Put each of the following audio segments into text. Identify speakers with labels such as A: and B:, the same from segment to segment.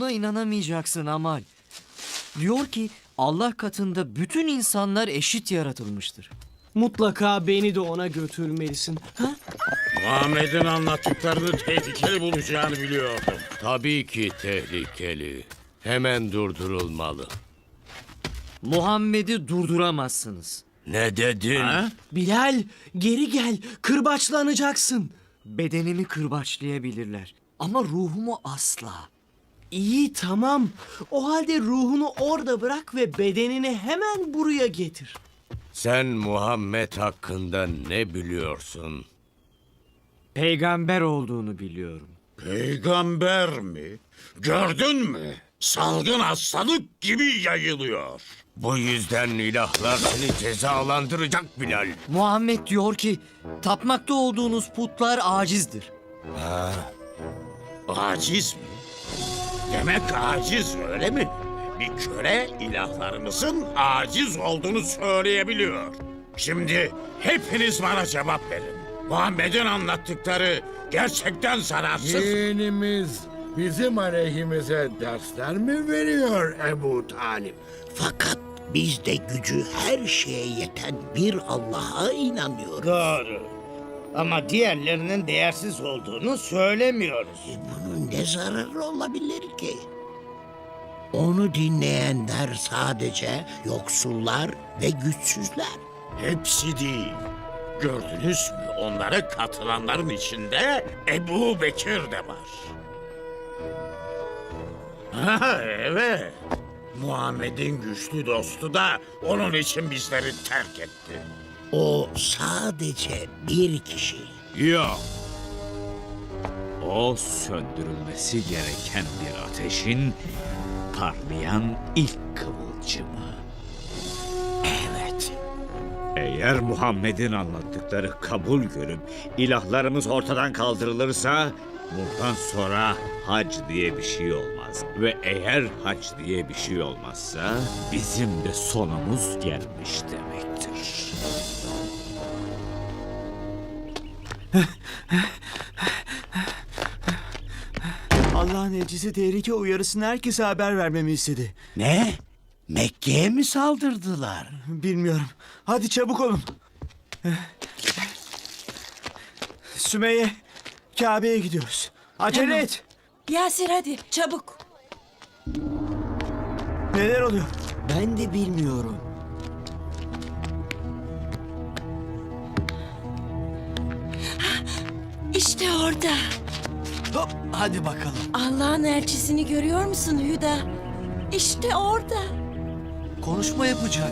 A: Buna inanamayacaksın Amal. Diyor ki Allah katında bütün insanlar eşit yaratılmıştır.
B: Mutlaka beni de ona götürmelisin. Ha?
C: Muhammed'in anlattıklarını tehlikeli bulacağını biliyordum.
D: Tabii ki tehlikeli. Hemen durdurulmalı.
A: Muhammed'i durduramazsınız.
D: Ne dedin?
C: Ha?
B: Bilal, geri gel. Kırbaçlanacaksın.
A: Bedenimi kırbaçlayabilirler ama ruhumu asla.
B: İyi, tamam. O halde ruhunu orada bırak ve bedenini hemen buraya getir.
D: Sen Muhammed hakkında ne biliyorsun?
A: Peygamber olduğunu biliyorum.
C: Peygamber mi? Gördün mü? Salgın hastalık gibi yayılıyor.
D: Bu yüzden ilahlar seni cezalandıracak Bilal.
A: Muhammed diyor ki tapmakta olduğunuz putlar acizdir.
C: Aciz mi? Demek aciz öyle mi? Bir köle ilahlarımızın aciz olduğunu söyleyebiliyor. Şimdi hepiniz bana cevap verin. Muhammed'in anlattıkları gerçekten zararsız.
E: Dinimiz bizim aleyhimize dersler mi veriyor Ebu Talip?
F: Fakat biz de gücü her şeye yeten bir Allah'a inanıyoruz.
G: Doğru. Ama diğerlerinin değersiz olduğunu söylemiyoruz.
F: Bunun ne zararı olabilir ki? Onu dinleyenler sadece yoksullar ve güçsüzler.
C: Hepsi değil. Gördünüz mü? Onlara katılanların içinde Ebu Bekir de var. Ha, evet. Muhammed'in güçlü dostu da onun için bizleri terk etti.
F: O sadece bir kişi.
H: Yok. O söndürülmesi gereken bir ateşin parlayan ilk kıvılcımı.
F: Evet.
H: Eğer Muhammed'in anlattıkları kabul görüp ilahlarımız ortadan kaldırılırsa bundan sonra hac diye bir şey olmaz. Ve eğer hac diye bir şey olmazsa bizim de sonumuz gelmiş demektir.
B: Allah'ın elçisi tehlike uyarısını herkese haber vermemi istedi.
F: Ne? Mekke'ye mi saldırdılar?
B: Bilmiyorum. Hadi çabuk olun. Sümeyye, Kabe'ye gidiyoruz. Acele et.
I: Yasir hadi çabuk.
B: Neler oluyor?
F: Ben de bilmiyorum.
I: İşte orada.
B: Hop, hadi bakalım.
I: Allah'ın elçisini görüyor musun Hüda? İşte orada.
A: Konuşma yapacak.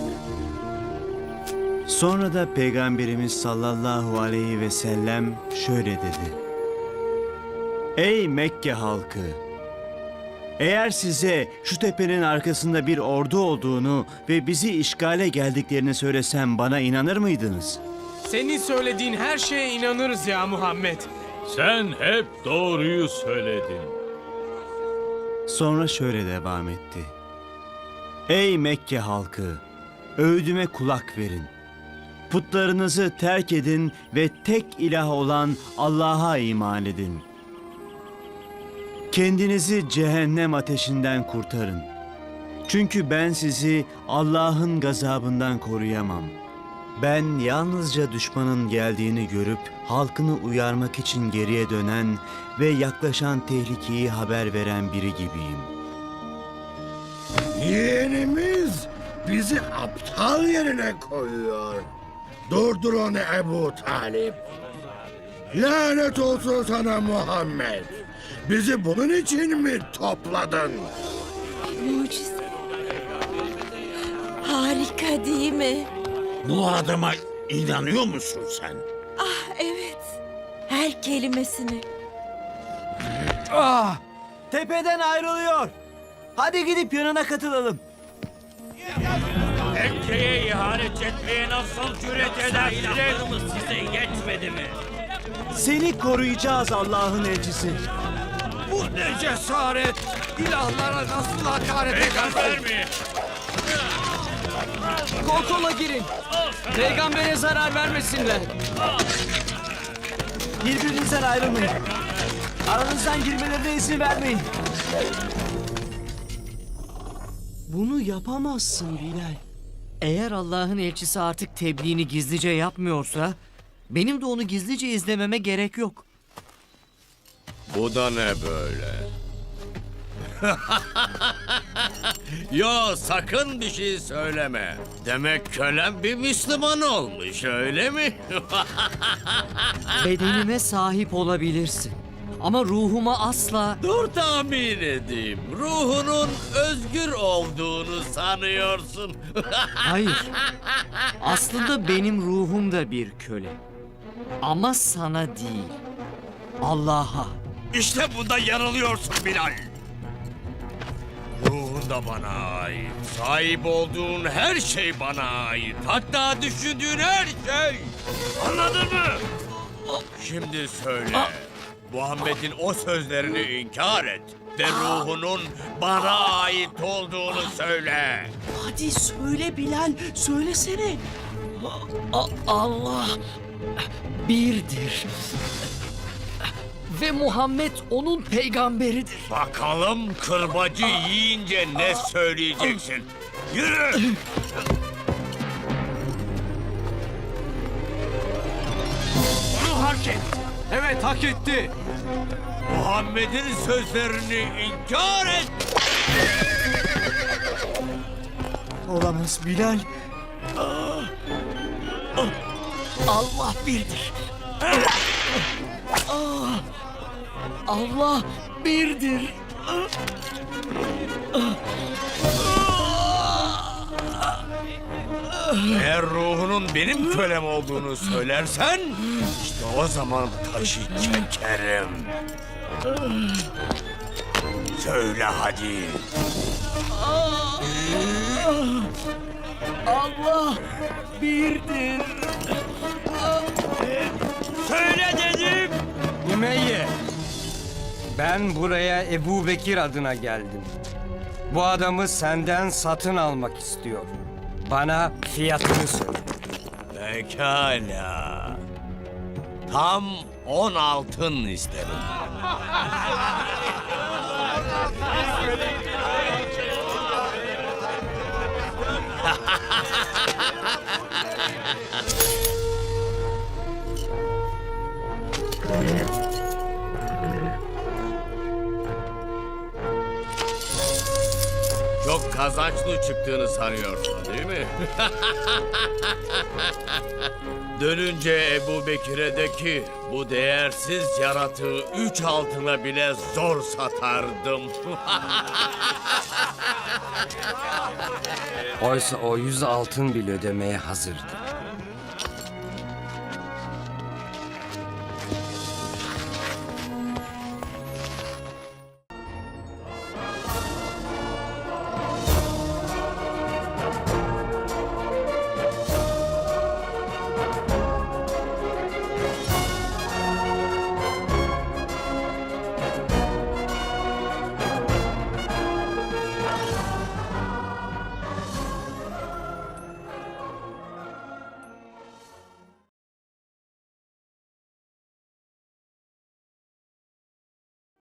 B: Sonra da Peygamberimiz sallallahu aleyhi ve sellem şöyle dedi. Ey Mekke halkı! Eğer size şu tepenin arkasında bir ordu olduğunu ve bizi işgale geldiklerini söylesem bana inanır mıydınız?
J: Senin söylediğin her şeye inanırız ya Muhammed.
D: Sen hep doğruyu söyledin.
B: Sonra şöyle devam etti. Ey Mekke halkı! Öğüdüme kulak verin. Putlarınızı terk edin ve tek ilah olan Allah'a iman edin. Kendinizi cehennem ateşinden kurtarın. Çünkü ben sizi Allah'ın gazabından koruyamam. Ben yalnızca düşmanın geldiğini görüp halkını uyarmak için geriye dönen ve yaklaşan tehlikeyi haber veren biri gibiyim.
E: Yeğenimiz bizi aptal yerine koyuyor. Durdur onu Ebu Talip. Lanet olsun sana Muhammed. Bizi bunun için mi topladın?
I: Mucize. Harika değil mi?
C: Bu adama inanıyor musun sen?
I: Ah evet. Her kelimesini.
B: Ah! Tepeden ayrılıyor. Hadi gidip yanına katılalım.
C: Mekke'ye ihanet etmeye nasıl cüret edersiniz? Size yetmedi mi?
B: Seni koruyacağız Allah'ın elçisi.
C: Bu ne cesaret? İlahlara nasıl hakaret ederler mi?
J: Kol kola girin. Peygambere zarar vermesinler.
B: Birbirinizden ayrılmayın. Aranızdan girmelerine izin vermeyin.
J: Bunu yapamazsın Bilal.
A: Eğer Allah'ın elçisi artık tebliğini gizlice yapmıyorsa, benim de onu gizlice izlememe gerek yok.
D: Bu da ne böyle? Yo, sakın bir şey söyleme. Demek kölem bir Müslüman olmuş, öyle mi?
A: Bedenime sahip olabilirsin. Ama ruhuma asla...
D: Dur tahmin edeyim. Ruhunun özgür olduğunu sanıyorsun.
A: Hayır. Aslında benim ruhum da bir köle. Ama sana değil. Allah'a.
D: İşte bunda yanılıyorsun Bilal. Ruhun da bana ait. Sahip olduğun her şey bana ait. Hatta düşündüğün her şey. Anladın mı? Şimdi söyle. Muhammed'in o sözlerini inkar et. Ve ruhunun bana ait olduğunu söyle.
J: Hadi söyle Bilal, söylesene. Allah birdir. Ve Muhammed onun peygamberidir.
D: Bakalım kırbacı yiyince ne söyleyeceksin? Yürü! Onu hak et.
J: Evet, hak etti.
D: Muhammed'in sözlerini inkar et.
A: Olamaz Bilal.
J: Allah birdir. Allah birdir.
D: Eğer ruhunun benim kölem olduğunu söylersen, işte o zaman taşı çekerim. Söyle hadi.
J: Allah birdir.
D: Söyle dedim.
K: Ümeyye, ben buraya Ebu Bekir adına geldim. Bu adamı senden satın almak istiyorum. Bana fiyatını söyle.
D: Pekala. Tam 10 altın isterim. Çok kazançlı çıktığını sanıyorsun değil mi? Dönünce Ebu Bekir'e de ki bu değersiz yaratığı 3 altına bile zor satardım.
K: Oysa o 100 altın bile ödemeye hazırdı.